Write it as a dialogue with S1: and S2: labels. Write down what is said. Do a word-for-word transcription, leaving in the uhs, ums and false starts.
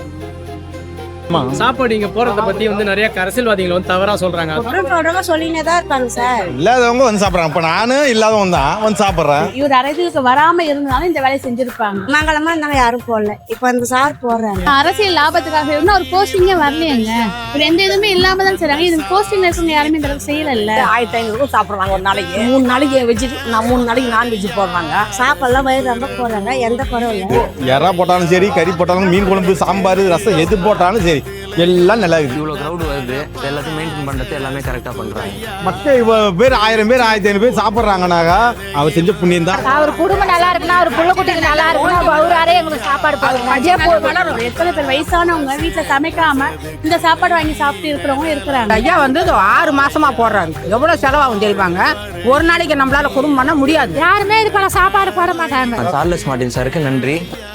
S1: சாப்பாடு இங்க போறத பத்தி வந்து நிறைய அரசியல்வாதிகள் வந்து தவறா சொல்றாங்க.
S2: சொல்லினே தான் இருக்காங்க சார்.
S3: இல்லாதவங்க வந்து சாப்பிட்றாங்க. இப்போ நானும் இல்லாதவங்க தான் வந்து சாப்பிட்றேன்.
S2: இவர் அரசியலுக்கு வராம இருந்தாலும் இந்த வேலையை செஞ்சிருப்பாங்க. மங்களமா இருந்தாங்க, யாரும் போடல. இப்போ அந்த சார் போடுறாங்க.
S4: அரசியல் லாபத்துக்காக இருந்தா ஒரு போஸ்டிங்கே வரலையங்க. இப்ப எந்த இதுவுமே இல்லாம தான் செய்றாங்க. இது போஸ்டிங்ல இருக்கவங்க யாருமே இந்த அளவுக்கு செய்யல.
S5: ஆயிரத்தி ஐநூறு சாப்பிடுறாங்க ஒரு நாளைக்கு. மூணு நாளைக்கு வெஜ், நான் மூணு நாளைக்கு நான்வெஜ் போடுறாங்க.
S2: சாப்பாடுலாம் வயிறு ரொம்ப போடுறாங்க, எந்த குறவும் இல்லை.
S3: எறா போட்டாலும் சரி, கறி போட்டாலும், மீன் குழம்பு, சாம்பார், ரசம் எது போட்டாலும் சரி, எல்லாம் நல்லா இருக்குது.
S6: இவ்வளோ க்ரௌட் வருது, எல்லாத்தையும் மெயின்டைன் பண்ணுறது எல்லாமே கரெக்டாக பண்ணுறாங்க.
S3: மக்கள் இவ்வளோ பேர், ஆயிரம் பேர் ஆயிரத்தி ஐநூறு பேர் சாப்பிட்றாங்கனாக்கா அவர் செஞ்ச புண்ணியம் தான்.
S4: அவர் குடும்பம் நல்லா இருக்குன்னா, அவர் புள்ள குட்டிக்கு நல்லா இருக்குன்னா, அவராரே எங்களுக்கு சாப்பாடு போடுறாங்க.
S2: எத்தனை பேர் வயசானவங்க வீட்டுல சமைக்காம இந்த சாப்பாடு வாங்கி சாப்பிட்டு இருக்கிறவங்க இருக்கிறாங்க.
S5: ஐயா வந்து ஆறு மாசமா போடுறாரு. எவ்வளவு செலவாகும் தெரியுமாங்க? ஒரு நாளைக்கு நம்மளால குடும்பம் பண்ண முடியாது.
S4: யாருமே இது போல சாப்பாடு போட மாட்டாங்க.
S6: சார்லஸ் மார்ட்டின் சாருக்கு நன்றி.